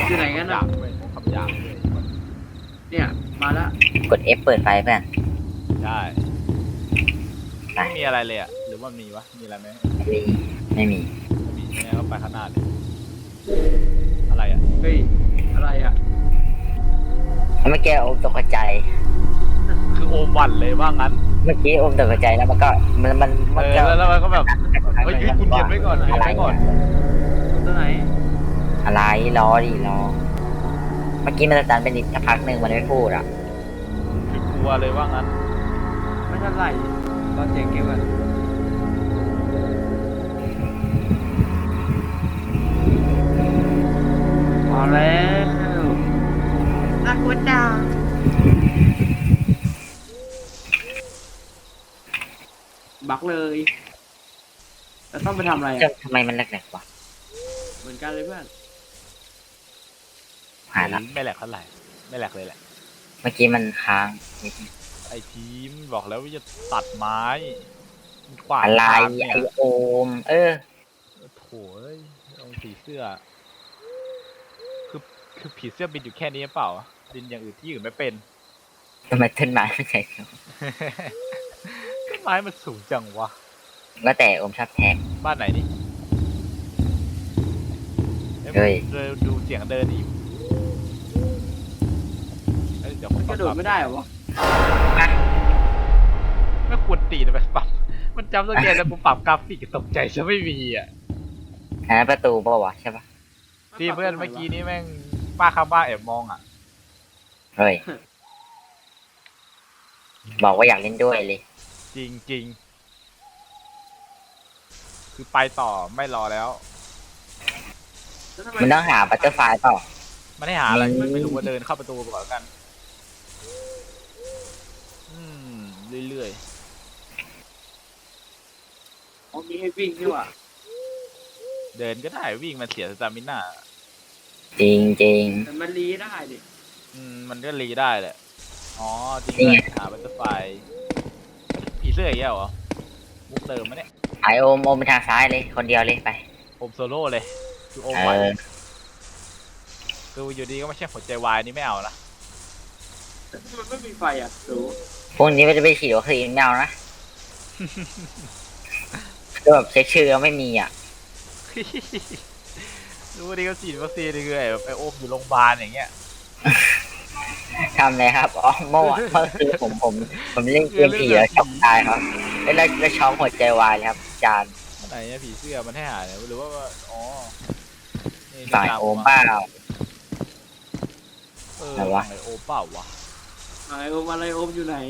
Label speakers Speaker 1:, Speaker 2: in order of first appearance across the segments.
Speaker 1: อยู่ไหนกัน
Speaker 2: หยา
Speaker 1: อ่ะ
Speaker 2: บเว้ยคำหยาบเลย
Speaker 1: เนี่ยมาแล้ว
Speaker 3: กด F เปิดไฟเพื่อน
Speaker 2: ใช่
Speaker 3: ไป
Speaker 2: ไม่มีอะไรเลยอ่ะหรือว่ามีวะมีอะไรไหม
Speaker 3: ไม่มี
Speaker 2: ไม่มีใช่ไหมก็ไปข้างหน้าเลยอะไรอ่ะ
Speaker 1: เฮ้ยอะไรอ่ะ
Speaker 3: เมื่อกี้โอมตกใจ
Speaker 2: คือโอมหวันเลยว่างั้น
Speaker 3: เมื่อกี้โอมตกใจแล้วมันก็มัน
Speaker 2: แล้วมันก็แบบเฮ้ยคุณเย็นไว้ก่อนเย็น
Speaker 3: อะไร
Speaker 2: ไว้ก่อน
Speaker 1: ตัวไหน
Speaker 3: อะไรรอดิรอ เมื่อกี้มันจะตันเป็นนิดสักพักหนึ่งมันไม่พูดอ่ะ
Speaker 2: คือกลัวเลยว่างั้น
Speaker 1: ไม่เท่าไหร่ตอนเสียงเกมอ่ะมาแล้วน่ากลัวจังบักเลยแล้วต้องไปทำอะไรอ่ะ
Speaker 3: ทำไมมันแหลกๆวะ
Speaker 1: เหมือนกันเลยเพื่อน
Speaker 3: หายละ
Speaker 2: ไม่แหลกเท่าไหร่ไม่แหลกเลยแหละ
Speaker 3: เมื่อกี้มันค้างนิดนึง
Speaker 2: ไอทีมบอกแล้วว่าจะตัดไม้ขวาน
Speaker 3: อะไร
Speaker 2: ทางเนี่ย
Speaker 3: ไอโอม
Speaker 2: โถ่เอ้ยเอาผีเสื้อ คือคือผีเสื้อบินอยู่แค่นี้หรือเปล่าบินอย่างอื่นที่อื่นไม่เป็น
Speaker 3: ทำไมต้นไม้ไม่ใช่
Speaker 2: ต้นไม้มันสูงจังวะ
Speaker 3: ก็แต่โอมชอบแท็ก
Speaker 2: บ้านไหนนี่
Speaker 3: เฮ้ย
Speaker 2: ดูเสียงเดินดิเอ้ยเดี๋ยวผม
Speaker 1: กระโดดไม่ได้เหรอวะ
Speaker 2: ไม่ควรตีนะไปปรับมันจำสแกนแล้วกูปรับกราฟิกตกใจจะไม่มีอ่ะ
Speaker 3: อันนั้นประตูเปล่าวะใช่ปะ
Speaker 2: ที่เพื่อนเมื่อกี้นี้แม่งป้าข้างบ้านแอบมองอ่ะ
Speaker 3: เฮ้ย บอกว่าอยากเล่นด้วยเลย
Speaker 2: จริงจริงๆคือไปต่อไม่รอแล้ว
Speaker 1: แล้วทำไม
Speaker 3: มันต้องหาบัตเตอร์ไฟเปล่า
Speaker 2: ไม่ได้หาอะไร
Speaker 3: อืม
Speaker 2: ไม่รู้ว่าเดินเข้าประตูก่อนแล้วกัน เรื่อย
Speaker 1: อ๋อมีให้วิ่งนี่หว่า
Speaker 2: ๆเดินก็ได้วิ่งมันเสียสตามิน่า
Speaker 3: จริงจริง
Speaker 1: แต่มันรีได้ดิ
Speaker 2: มันก็รีได้แหละอ๋อจริง
Speaker 3: นี่
Speaker 2: ด้ว
Speaker 3: ไง
Speaker 2: ยหาบัตเตอร์ไฟผีเสื้ออีกแล้วเหรอมุกเติมมะเนี่ย
Speaker 3: ไอโอมไปทางซ้ายเลย คนเดียวเลยไป
Speaker 2: โอมโซโล่เลยคือโอม
Speaker 3: เอ
Speaker 2: ไหว
Speaker 3: อ
Speaker 2: คืออยู่ดีก็ไม่ใช่หัวใจวายนี่ไม่เอานะ
Speaker 1: มันไม่มีไฟอ่ะดู
Speaker 3: พรุ่งนี้มันจะไปฉีดวัคซีนไม่เอานะ คือแบบเช็คชื่อไม่มีอ่ะ
Speaker 2: รู้ว่าดีก็ฉีดวัคซีนนี่คือแบบไอโอมอยู่โรงพยาบาลอย่างเงี้ย
Speaker 3: ทำเลยครับอ๋อเมื่อวานเมื่อคืนผมเล่นเกมผีแล้วช็อกตายครับแล้วช็อกหัวใจวายเลยครับจาน
Speaker 2: ไหนเนี่ยผีเสื้อมันให้หาเนี่ยหรือว่าอ๋อนี่
Speaker 3: ฝ่าย
Speaker 2: ตาม
Speaker 3: โอมเปล่า ไหนวะ
Speaker 2: ไอโอมเปล่าวะ
Speaker 1: ไอโอมอะไรโอมอยู่ไหน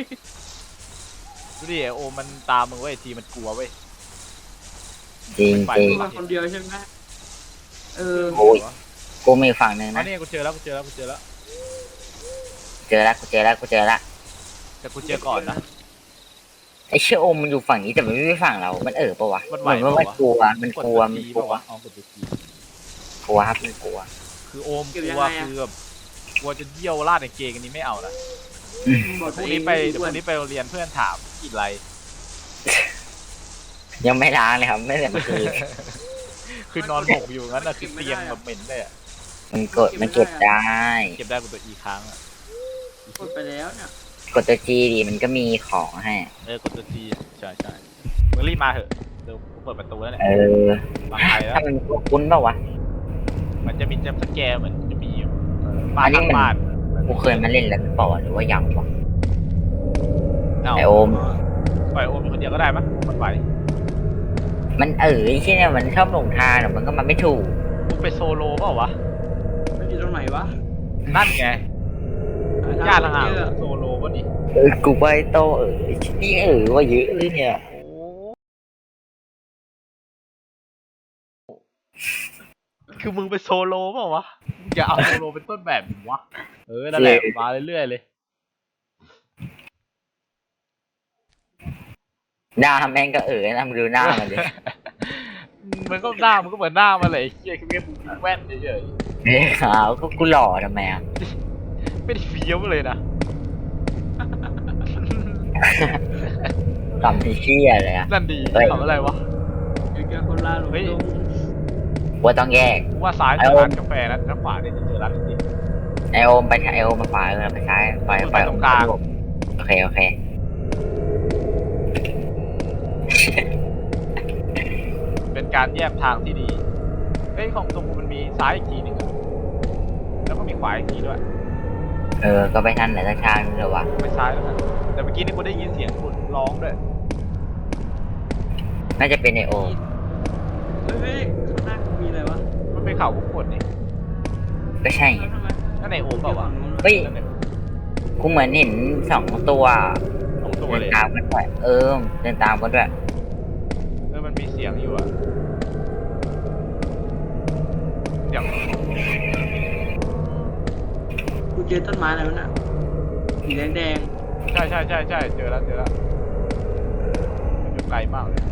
Speaker 2: ดูดิไอโอมมันตามมึงเว้ยทีมันกลัวเว้ย
Speaker 3: จริงจริง
Speaker 1: มาคนเดียวใช่ไหมเออ
Speaker 3: โอ้ย กูมีฝั่งหนึ่ง
Speaker 2: อั
Speaker 3: นะ
Speaker 2: นนี้กูเจอแล้วกูเจอแล้วกูเจอแล้ว
Speaker 3: เจอแล้วกูเจอแล้วกูเจอแล้ว
Speaker 2: แต่กูเจอก่อนนะ
Speaker 3: ไอเชื่อโอมมันอยู่ฝั่งนี้แต่มันไม่ใช่ฝั่งเรา มันปะวะ
Speaker 2: มัน
Speaker 3: เห
Speaker 2: ไหว
Speaker 3: มือนว่ามัน
Speaker 2: ปะวะ
Speaker 3: กลัวมันกลัว
Speaker 2: ก
Speaker 3: มัน
Speaker 2: ด
Speaker 3: กลั
Speaker 2: ตัว
Speaker 3: ว
Speaker 2: ทีปะวะอ๋อกดตัวที
Speaker 3: กลัวครับมันกลัว
Speaker 2: คือโอมกลัวคือแบบกลัวจะเยี่ยวราดในเกงอันนี้ไม่เอานะ
Speaker 1: บอก
Speaker 2: พรุ่งนี้ไปเดี๋ยวพรุ่งนี้ไปโรงเรียนเพื่อนถามกินอะไร
Speaker 3: ยังไม่ล้างเลยครับไม่แต่เมื่อคืน
Speaker 2: คือนอนหมกอยู่งั้นนะคือเตียงแบบเหม็นเลยอะ
Speaker 3: มันเก็บได้
Speaker 2: เก็บได้กว่าตัวอีครั้งอะ
Speaker 1: กดไปแล้วเนี่ย
Speaker 3: กดตัวจีดีมันก็มีของให้
Speaker 2: กดตัวทีใช่ใช่มึงรีบมาเถอะเดี๋ยวกูเปิดประตูแล้วเนี่ย
Speaker 3: เออ
Speaker 2: วางไปแล้ว
Speaker 3: ถ้ามันคุ้นเปล่าวะ
Speaker 2: มันจะมีจัมป์สแกร์เหมือนจะมีบ้า
Speaker 3: อั
Speaker 2: น
Speaker 3: นนี้
Speaker 2: ข้าง
Speaker 3: มัน
Speaker 2: บ้าน
Speaker 3: กูเคยมาเล่นแล้วหรือเปล่าวะหรือว่ายังวะ
Speaker 2: เา
Speaker 3: ไอโอม
Speaker 2: ปล่อยโอมอยู่คนเดียวก็ได้ปะมันไหว
Speaker 3: มันที่เนี่ยมันชอบหลงทางแต่มันก็มาไม่ถูก
Speaker 2: มึงไปโซโล่เปล่าวะ
Speaker 1: มันอยู่ตรงไหนวะ
Speaker 2: นั่นไงญาติ
Speaker 1: ทา
Speaker 2: ห่าง
Speaker 1: เจอ
Speaker 2: ๆโซโล่วะนี่
Speaker 3: กูไปโตนี่ว่าเยอะเลยเนี่ย
Speaker 2: โอ้คือมึงไปโซโล่เปล่าวะอย่าเอาโซโล่เป็นต้นแบบดิวะนั่นแหละมาเรื่อยๆเลย
Speaker 3: หน้าแม่งก็นะมึงดูหน้ามันดิ
Speaker 2: มันก็หน้ามันก็เหมือนหน้ามันเลยไอ้เหี้ยคือแค่มึงแว่นเฉย
Speaker 3: เฮ้ยขาวก็กูหล่อทำไมอ่ะ
Speaker 2: ๆไม่ได้เฟี้ยวเลยนะ
Speaker 3: ต่ำที่เชี่ยเลยอ่ะ
Speaker 2: นั่นดี
Speaker 3: เฮ้ย
Speaker 2: ทำอะไรวะ
Speaker 1: อยู่กับคนลาหลง
Speaker 2: เฮ้ย
Speaker 1: ดง
Speaker 3: ว่าต้องแยก
Speaker 2: กูว่าซ้ายเจอร้านกาแฟนะถ้าขวาเนี่ยจะเจอร้านจริง
Speaker 3: ไอโอมไปไอโอมมาขวาไปซ้ายไป
Speaker 2: ตรงกลาง
Speaker 3: โอเค
Speaker 2: เป็นการแยกทางที่ดีเอ้ยของตรงกูมันมีซ้ายอีกทีหนึ่งอะแล้วก็มีขวาอีกทีด้วย
Speaker 3: ก็ไปทันไหนสักทางนึงเลยวะ
Speaker 2: ไปซ้ายแล้วกันแต่เมื่อกี้นี่กูได้ยินเสียงคนร้องด้วย
Speaker 3: น่าจะเป็นไอโอม
Speaker 1: เฮ้ยข้างหน้ามีอะไรวะ
Speaker 2: มันเป็นเขาวงกดนี่
Speaker 3: ก็ใช่ไง
Speaker 1: แล้วทำไม
Speaker 2: นั่นไหนโอมเปล่าวะ
Speaker 3: เฮ้ย กูเหมือนเห็น2 ตัว
Speaker 2: สองตัว
Speaker 3: เดิ
Speaker 2: เล
Speaker 3: น
Speaker 2: ย
Speaker 3: ตามกันด้วยเดินตามกันด้วย
Speaker 2: มันมีเสียงอยู่อะเสียง
Speaker 1: กูเจอต้นไม้อะไรวะน่ะสีแดง
Speaker 2: ใช่เจอแล้วมันอยู่ไกลมากเลย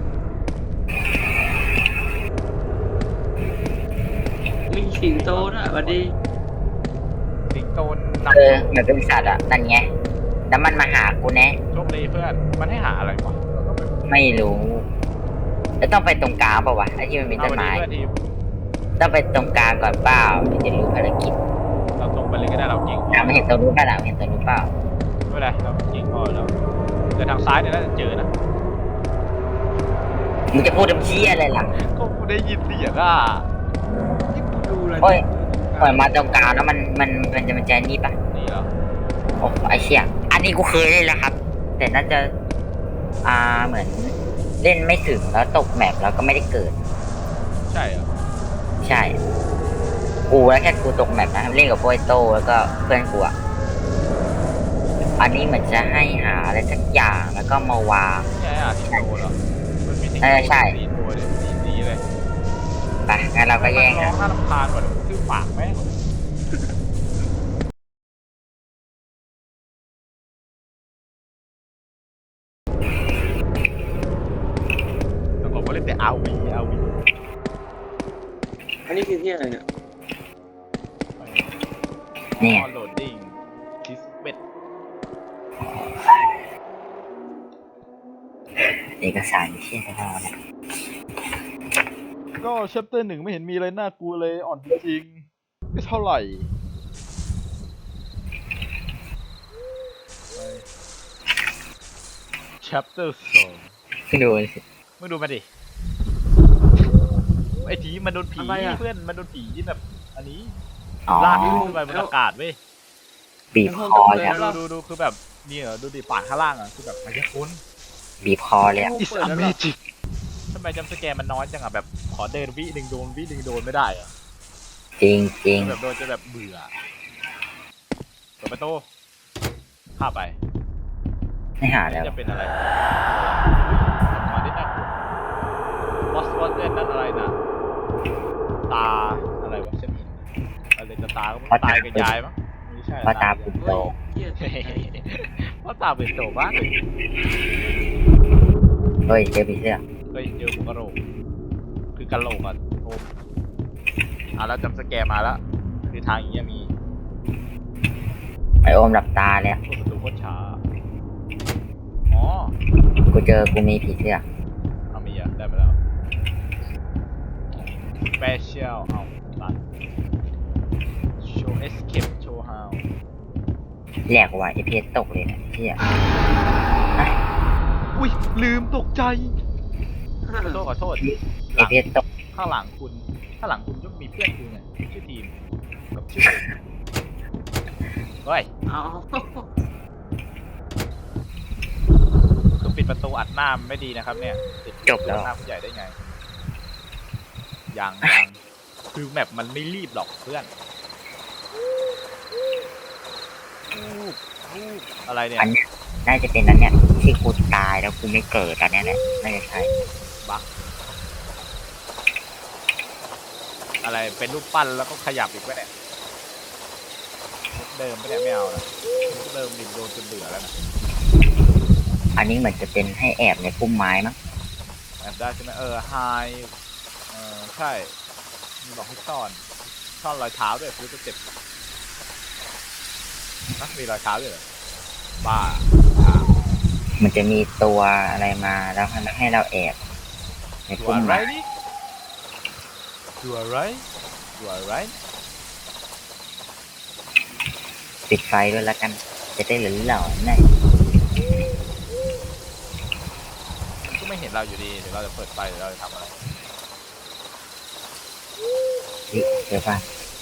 Speaker 1: ๆมีสิงโตด้วยสวัสดี
Speaker 2: สิงโตน
Speaker 3: เหมือนเป็นสัตว์อ่ะนั่นไงแล้วมันมาหากูแน่
Speaker 2: โชคดีเพื่อนมันให้หาอะไรวะเราต้องไป
Speaker 3: ไม่รู้แล้วต้องไปตรงกลางเปล่าวะไอ้ที่มันมี
Speaker 2: เอา
Speaker 3: ต้น
Speaker 2: วัน
Speaker 3: ไม้
Speaker 2: นี้เพื่อนทีม
Speaker 3: ต้องไปตรงกลางก่อนเปล่าถึงจะรู้ภารกิจ
Speaker 2: เราตรงไปเลยก็ได้เราเก่งพอ
Speaker 3: ไม่เห็นตรงนู้นเปล่าเห็นตรงนู้นเปล่า
Speaker 2: ไม่เป็นไรเราเก่งพอแล้วแต่ทางซ้ายเนี่ยน่าจะเจอนะ
Speaker 3: มึงจะพูดทำชี้อะไรล่ะ
Speaker 2: ก็กูได้ยินเสียงอ่ะ
Speaker 1: ที่กูดูอะไร
Speaker 3: โอ้ย ปล่อยมาตรงกลางแล้วมันจะนี่ปะ
Speaker 2: นี่เหรอ
Speaker 3: โอ้ไอเชี่ยอันนี้กูเคยเล่นแล้วครับ แต่น่าจะเหมือนเล่นไม่ถึงแล้วตกแมปแล้วก็ไม่ได้เกิด
Speaker 2: ใช่เหรอ
Speaker 3: ใช่ กูแล้วแค่กูตกแมปนะเล่นกับโปรโตแล้วก็เพื่อนกูอ่ะอันนี้เหมือนจะให้หาอะไรสักอย่างแล้วก็มาวาง
Speaker 2: ใช่สิงโตเหรอมันมีสิงโต
Speaker 3: ใช่
Speaker 2: สี่ตัวเลยสีเลย
Speaker 3: ไปงั้นเราก็แย่ง
Speaker 2: ร้อ
Speaker 3: นะ
Speaker 2: งน่ารำคาญกว่าชื่อปากแม่งแต่ผมก็เล่นแต่อาวี
Speaker 1: อันนี้คือที่อะไรเนี่ย
Speaker 3: เนี่ย
Speaker 2: โหลดดิ้งคิสเบ็ด
Speaker 3: เอกสารเชี่ยจะเอาเนี่ย
Speaker 2: ก็แชปเตอร์1ไม่เห็นมีอะไรน่ากลัวเลยอ่อนจริงๆไม่เท่าไหร่ Chapter 2
Speaker 3: ดูสิ
Speaker 2: มึงดูมาดิ ไอ้ผีมันโดนผี
Speaker 1: อะไรอะ
Speaker 2: เพื่อนมันโดนผีที่แบบ อันนี้
Speaker 3: อ๋อ
Speaker 2: ลากขึ้นไปบนอากาศเว้ย
Speaker 3: บีบคอเลยอะ
Speaker 2: ดูคือแบบนี่เหรอดูดิปากข้างล่างอ่ะคือแบบมายากล
Speaker 3: บีบคอเลยอะ
Speaker 2: It's a magic ทำไมจำสแกร์มันน้อยจังอ่ะแบบขอเดินวิหนึ่งโดนวิหนึ่งโดนไม่ได้เหรอ่ะ
Speaker 3: จริงจริง
Speaker 2: แบบโดนจะแบบเบื่อเปิดประตูเข้าไป
Speaker 3: ไม่หาแล้ว
Speaker 2: จะเป็นอะไรมาที่น่ากลัววอสเนั่นอะไรนะตาอะไรวะฉันเห็นอะไรจะตาก็ไม่ตายกับยายมั้งไม่ใช่
Speaker 3: เพราะตาปุ่มโต
Speaker 1: เฮ้ยเหี้ย
Speaker 2: เพราะตาเป็นโตบ้างเลย
Speaker 3: เฮ้ยเจอผีเสื้อ
Speaker 2: เฮ้ยเจอหัวกะโหลกคือกะโหลกอ่ะโอ้แล้วจำสแกร์มาแล้วคือทางอย่างเงี้ยมี
Speaker 3: ไอโอมหลับตาเลยอะ
Speaker 2: ประตูโคตรช้าอ๋อ
Speaker 3: กูมีผีเสื้อ
Speaker 2: เอามีอ่ะได้มาแล้ว special เอาตัด show escape show how
Speaker 3: แหลกว่ะไอเพชรตกเลยนะเชี่ย
Speaker 2: อุ้ยลืมตกใจขอโทษ
Speaker 3: ไอเพชรตก
Speaker 2: ข้างหลังคุณก็มีเพื่อนคุณไงชื่อทีมกับชื่อเฮ้ย
Speaker 1: เอา
Speaker 2: คือปิดประตูอัดหน้ามันไม่ดีนะครับเนี่ยปิด
Speaker 3: จบแล้ว
Speaker 2: หน้าผู้ใหญ่ได้ไงยังคือแมปมันไม่รีบหรอกเพื่อนอะไรเนี่ย
Speaker 3: อันเนี้ยน่าจะเป็นนั้นเนี่ยที่กูตายแล้วกูไม่เกิดอันเนี้ยแหละน่าจะใช่
Speaker 2: บักอะไรเป็นรูปปั้นแล้วก็ขยับอีกวะเนี่ยมุกเดิมไม่ได้ไม่เอานะมุกเดิมดิโดนจนเบื่อแล้วนะ
Speaker 3: อันนี้เหมือนจะเป็นให้แอบในพุ่มไม้มั้ง
Speaker 2: แอบได้ใช่ไหมไฮใช่มีบอกให้ซ่อนรอยเท้าด้วยคือจะเจ็บนะมีรอยเท้าด้วยเหรอบ้า
Speaker 3: มันจะมีตัวอะไรมาแล้วให้เราแอบใน
Speaker 2: ตัว
Speaker 3: พุ่ม
Speaker 2: อะไร
Speaker 3: ไม้
Speaker 2: นี่ you are right you are right
Speaker 3: ปิดไฟด้วยแล้วกัน จะได้หลอนๆหน่อย
Speaker 2: ก็ไม่เห็นเราอยู่ดีเดี๋ยวเราจะเปิดไฟเดี๋ยวเราจะทำอะไร
Speaker 3: เดี๋ยวป่ะ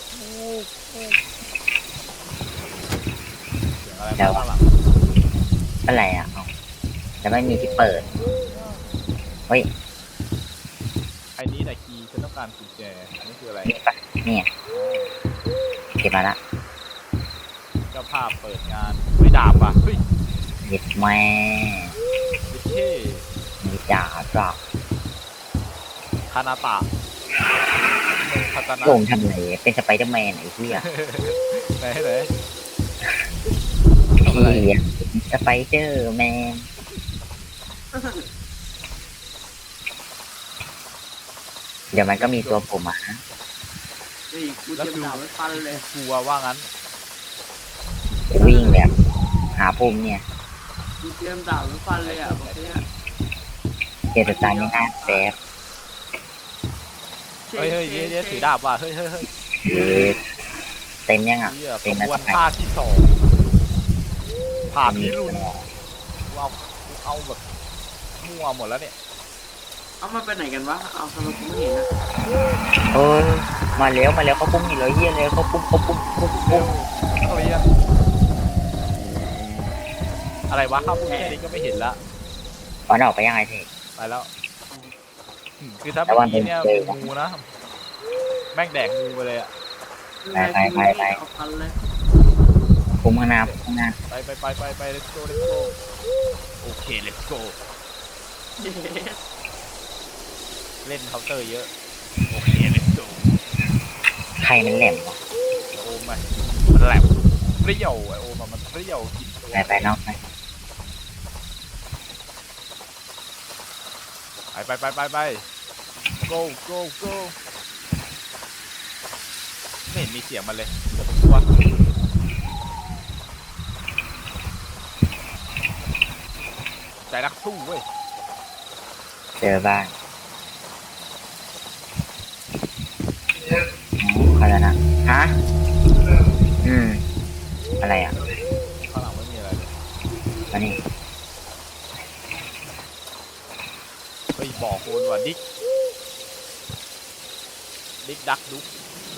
Speaker 2: เสียงอะไร
Speaker 3: เดี๋ยว
Speaker 2: มาข้างหลัง
Speaker 3: อะไรอ่ะเอาจะไม่มีที่เปิด เฮ้ย
Speaker 2: ไอ้นี้แต่คีย์ฉันต้องการกุญแจอันนี้คืออะไร
Speaker 3: นี่ป่ะเนี่ยเก็บมาละ
Speaker 2: เจ้าภาพเปิดงานไม่ดาบว่ะเฮ้ย
Speaker 3: หยิบแม่
Speaker 2: ดิเท่
Speaker 3: มีจ่าจ้ะ
Speaker 2: คานาตะโนคาตานะ
Speaker 3: โงทำไรเป็นสไปเดอร์แมนไอ้ที่อ่ะ
Speaker 2: ไหนไหน
Speaker 3: ที่สไปเดอร์แมน เดี๋ยวมันก็มีตัวผมอ่ะ
Speaker 1: นี่กูเตรียมดาบไว้ฟันเลย
Speaker 2: กลัวว่างั้น
Speaker 3: วิ่งแบบหาปุ่มเนี่ย
Speaker 1: กูเตรียมดาบไว้ฟันเลยอ่ะบอกเนี่ย
Speaker 3: เจตตาไม่น่าแป๊บ
Speaker 2: เฮ้ยเฮ้ยเดี๋ยวถือดาบว่ะเฮ้ยเฮ้ยเฮ้ย
Speaker 3: หรือเต็มยังอ่ะ
Speaker 2: เหี้ย
Speaker 3: เต็ม
Speaker 2: ข
Speaker 3: แล้ว
Speaker 2: บวน
Speaker 3: ทำไม
Speaker 2: ภาคที่2ภาพพิรุณเอาแบบมั่วหมดแล้วเนี่ย
Speaker 1: เอามาไปไหนกันวะเอาทำไมกูไม่เห็นนะ
Speaker 3: เออมาแล้วเขาปุ้มนี่เลยเฮียเลยเขาปุ้มปุ้ม
Speaker 2: เฮ้ยอะไรวะข้าวพวกแค่นี้ก็ไม่เห็นละ
Speaker 3: ตอนออกไปยังไงเท
Speaker 2: ไปแล้วคือถ้า
Speaker 3: แต่
Speaker 2: เมื่
Speaker 3: ว่า
Speaker 2: อกี้เนี่ย
Speaker 3: เป็น
Speaker 2: งูนะแม่งแดกงูไปเลยอะ
Speaker 3: ไป
Speaker 1: เอาฟันเลย
Speaker 3: ปุ้มข้างหน้า
Speaker 2: ไป let's go let's go โอเค let's go เล่นเคาน์เตอร์เยอะโอเค let's go
Speaker 3: ใครมันแหลมวะ
Speaker 2: โอมมันแหลมเปรี้ยวไอโอมมันเปรี้ยวกินตัว
Speaker 3: ไปนอกไป
Speaker 2: ไป go go go ไม่เห็นมีเสียงมันเลยเดี๋ยวผมกลัวใจนักสู้เว้ย
Speaker 3: เจอบ้านเขาจะนะฮะอะไรอ่ะ
Speaker 2: ข้างหลังไม่มีอะไรเลย
Speaker 3: มานี่
Speaker 2: เฮ้ยบอกโคนว่ะดิ๊กดักดุ๊ก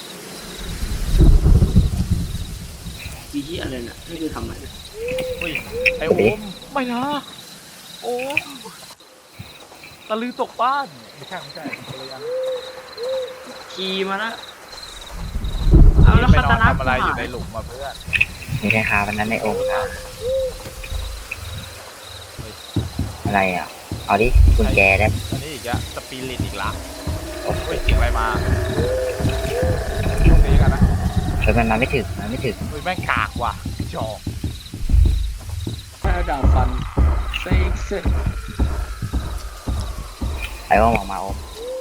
Speaker 1: อีที่อะไรน่ะนี่คือทำอะไรนะ
Speaker 2: เฮ้ยไอโอมไม่นะโอมตะลือตกบ้านไม่ใช่อะไรยัง
Speaker 1: ขี่มาละเอาแล้ว
Speaker 2: ไป
Speaker 1: คาน
Speaker 2: อ
Speaker 1: ตาน นะ
Speaker 2: ทำอะไรอยู่ในหลุมมาเพื่อน
Speaker 3: มีใครคาวันนั้นในองค์อะไรอ่ะ เอาดิกุญแจได้
Speaker 2: อันนี้อีกอะสปิริตอีกละเฮ้ยเสียงอะไรมาช่วงนี้กันนะ
Speaker 3: เฮ้ยมันมาไม่ถึง
Speaker 2: เฮ้ยแม่งกากว่ะจอก
Speaker 1: เอาดาบฟันเซ็กซ์
Speaker 3: ไอ้ว่าออกมาโอม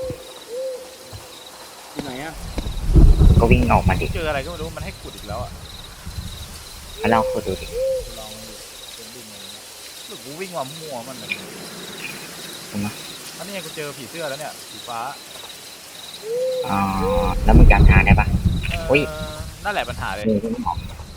Speaker 1: ที่ไหนอ่ะ
Speaker 3: ก็วิ่งออกมาดิ
Speaker 2: เจออะไรก็ไม่รู้มันให้ขุดอีกแล้วอะ
Speaker 3: มาลองคุยดูดิ
Speaker 2: ลองมันดูเป็นดินอะไรเงี้ยหรือกูวิ่งมามั่วมันเลย
Speaker 3: ถูกไหม
Speaker 2: อันนี้ไงกูเจอผีเสื้อแล้วเนี่ยสีฟ้า
Speaker 3: อ๋อแล้วมึงจำทางได้ปะ อุ๊ย
Speaker 2: นั่นแหละปัญหาเลย
Speaker 3: มึงวิ่งออก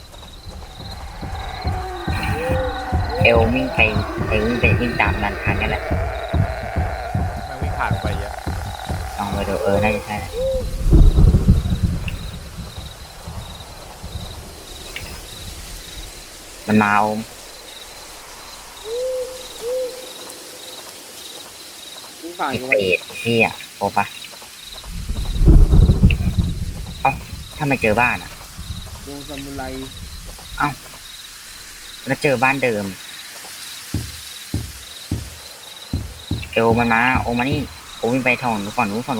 Speaker 3: เอลวิ่งไปวิ่งตามนันทางนั่นแหละ
Speaker 2: แม่งวิ่งผ่านไปเยอะ
Speaker 3: ลองไปดูน่าจะใช่แหละมันมาโอม
Speaker 1: มึงผ่าน
Speaker 3: ไอ้
Speaker 1: กู
Speaker 3: เป
Speaker 1: ไป
Speaker 3: รตที่อ่ะโอปะเอ้าถ้าไม่เจอบ้านอ่ะ
Speaker 1: วงซามูไร
Speaker 3: แล้วเจอบ้านเดิม เอลมันมาโอมานี่โอวิ่งไปทางนู้นฝั่งนู้น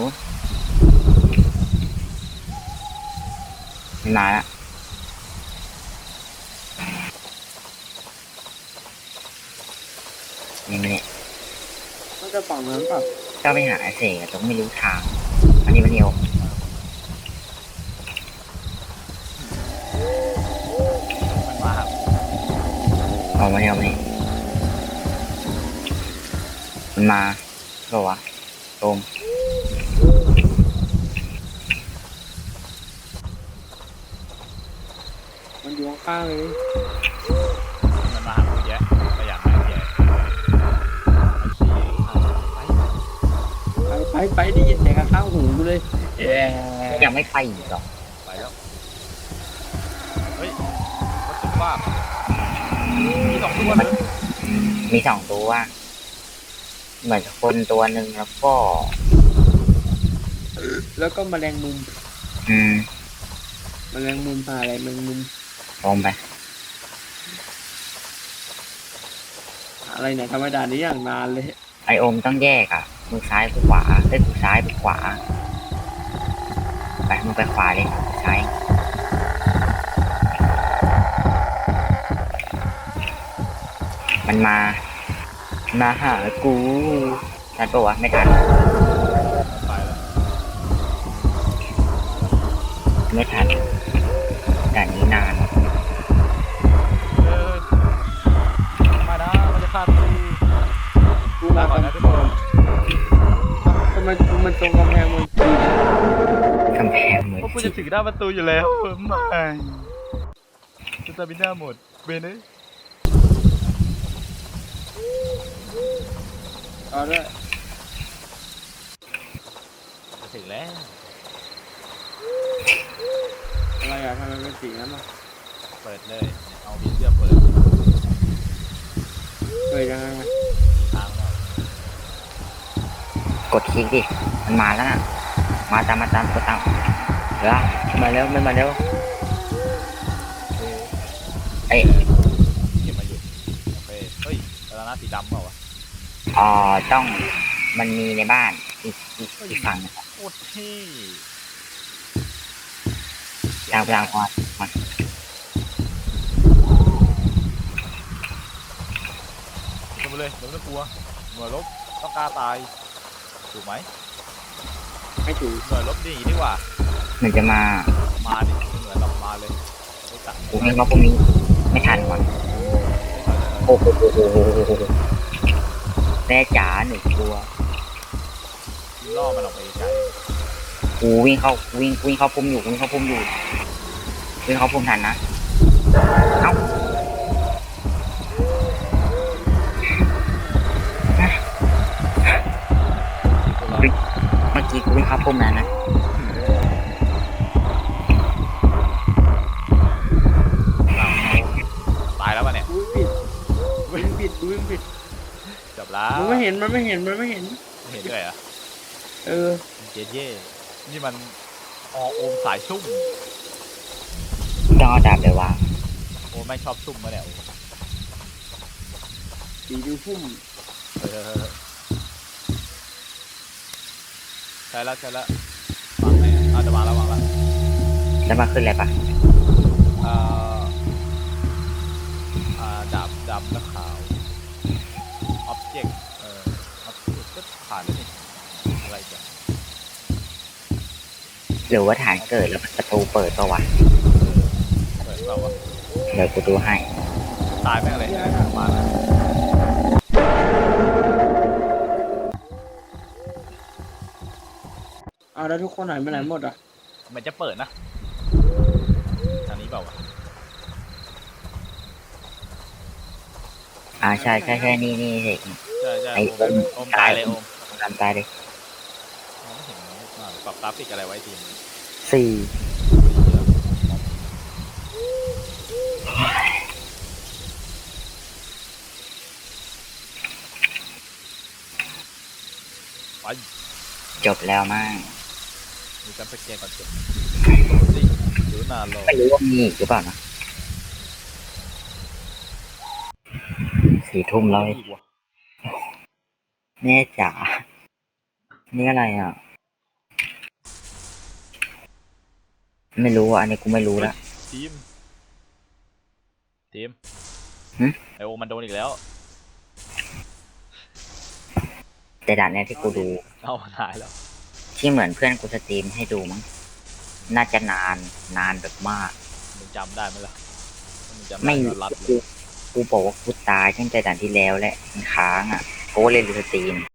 Speaker 3: มันมาละนี่มันเนี่ย
Speaker 1: มันจะฝั่งนั้นเปล่า
Speaker 3: ก็ไปหาไอ้เสกแต่ไม่รู้ทาง อันนี้มันเดียว
Speaker 2: มันมาหา
Speaker 3: เอามาเดียวนี่มันมาหรอวะโอม
Speaker 1: มันอยู่ข้างๆเลย
Speaker 2: มันมาหากูแยะก็อยากให้แยะ
Speaker 1: ไปได้ยินเสียงข้างหูกูเลย
Speaker 3: ยังไม่ไปอีกหรอก
Speaker 2: ไปแล้วเฮ้ยวัตถุว่ามีสองตัวเลย
Speaker 3: มีสองตัวเหมือนคนตัวหนึ่งแล้วก็
Speaker 1: แล้วก็แมลงมุม
Speaker 3: อืม
Speaker 1: แมลงมุมพาอะไรแมลงมุม
Speaker 3: ลงไป
Speaker 1: อะไรเนี่ยทำไมด่านนี้อย่างนานเลย
Speaker 3: ไอโอมต้องแยกอ่ะมือซ้ายมือขวาเอ้ยมือซ้ายมือขวาไปมึงไปขวาเลยซ้ายมันมาหากูทันปะวะไม่ทัน
Speaker 2: ไปแล้ว
Speaker 3: ไม่ทันด่านนี้นาน
Speaker 2: เออมานะมันจะฆ่ากู
Speaker 1: กู
Speaker 2: ลา
Speaker 1: มา
Speaker 2: ก่อน
Speaker 1: ก่อน
Speaker 2: นะทุกคน
Speaker 1: ทำไมมันตรงกำแพงมันจีน
Speaker 3: กำแพงเหมือน
Speaker 2: เพราะกูจะถึงหน้าประตูอยู่แล้วไม่จะตาบิน่าหมดเบนเอ้ย
Speaker 1: เอาด้วย
Speaker 2: จะถึงแล้ว
Speaker 1: อะไรอะทำไมเป็นสีนั้นอ่ะ
Speaker 2: เปิดเลยเอาบีเสื้อเปิด
Speaker 1: เกิดยังไงอะ
Speaker 2: มีทางแล้ว
Speaker 3: กดคลิกดิมันมาแล้วน่ะมาตามกดตามเดี๋ยวมาเร็วไม่มาเร็วเอ้ย
Speaker 2: เก็บมาหยุดโอเคเฮ้ยแล้วนะสีดำเปล่าวะ
Speaker 3: ต้องมันมีในบ้านอีกฝั่งหนึ่ง
Speaker 2: โคตรเท่
Speaker 3: ทางก่อนมา
Speaker 2: ขึ้นมาเลยเดี๋ยวไม่ต้องกลัวหน่วยรบต้องกล้าตายถูกไหม
Speaker 1: ไม่ถูก
Speaker 2: หน่วยรบดีดีกว่า
Speaker 3: มันจะมา
Speaker 2: มาดิเหมือนเรามาเลยไม่ตัด
Speaker 3: กูนึกว่าพวกนี้ไม่ทันก่อนโอ้โหแม่จ๋าหนึ่งตัว
Speaker 2: ล่อมันออกไปไกล
Speaker 3: กูวิ่งเข้าพุ่มอยู่วิ่งเข้าพุ่มทันนะเอ้า
Speaker 2: ตัวเรา
Speaker 3: เมื่อกี้กูวิ่งเข้าพุ่มนั้นนะ
Speaker 2: ตายแล้วป่ะเนี่ย
Speaker 1: กูวิ่งผิดกูวิ่งผิด
Speaker 2: จบแล้ว
Speaker 1: มันไม่เห็น
Speaker 2: ไม่เห็นด้วยเหรอ่ะ
Speaker 1: เออ
Speaker 2: เจ๊เย่นี่มันอโอมสายซุ่ม
Speaker 3: ต้องเอาดาบไปวาง
Speaker 2: โอไม่ชอบซุ่มมาเนี่ย
Speaker 1: สีดูพุ่ม
Speaker 2: เออใช่แล้ววางไหนเอาจะวางแล้ว
Speaker 3: แล้วมาขึ้นอะไรปะ
Speaker 2: เอ่อดาบดำและขาว object object ก็ผ่านแล้วนี่อะไรกัน
Speaker 3: หรือว่าฐานเกิดแล้วประตูเปิดปะวะ
Speaker 2: เปิดเปล่าวะ
Speaker 3: เดี๋ยวกูดูให้
Speaker 2: ตายแม่งเลยมาแล้ว
Speaker 1: เอาแล้วทุกคนหายไปไหนหมดอ่ะ
Speaker 2: มันจะเปิดนะทางนี้เปล่าวะ
Speaker 3: ใช่นี่เด็ก
Speaker 2: ใช่
Speaker 3: ไอ้
Speaker 2: โอมตายเลยโอม
Speaker 3: ตามตายเลย
Speaker 2: มองไม่เห็นปรับกราฟิกอะไรไว้ที
Speaker 3: สี่
Speaker 2: ไป
Speaker 3: จบแล้วมั้ง
Speaker 2: มีการสแกนก่อนจบสิหรือนานรอ
Speaker 3: ไม่รู้ว่ามีอีกหรือเปล่านะ4 ทุ่มแล้ว
Speaker 2: อีกวะ
Speaker 3: แม่จ๋านี่อะไรอ่ะ ไม่รู้อ่ะอันนี้กูไม่รู้ละ
Speaker 2: ทีม
Speaker 3: หึ
Speaker 2: ไอโอมันโดนอีกแล้ว
Speaker 3: แต่ด่านเนี้ยที่กูดู
Speaker 2: เอาหายแล้ว
Speaker 3: ที่เหมือนเพื่อนกูสตรีมให้ดูมั้งน่าจะนานแบบมาก
Speaker 2: มึงจำได้ไหมล่ะมึงจำ
Speaker 3: ไม่
Speaker 2: ได้ก็รัดเลย
Speaker 3: กูบอกว่ากูตายตั้งแต่ด่านที่แล้วแหละมันค้างอ่ะกูก็เลยดูสตรีม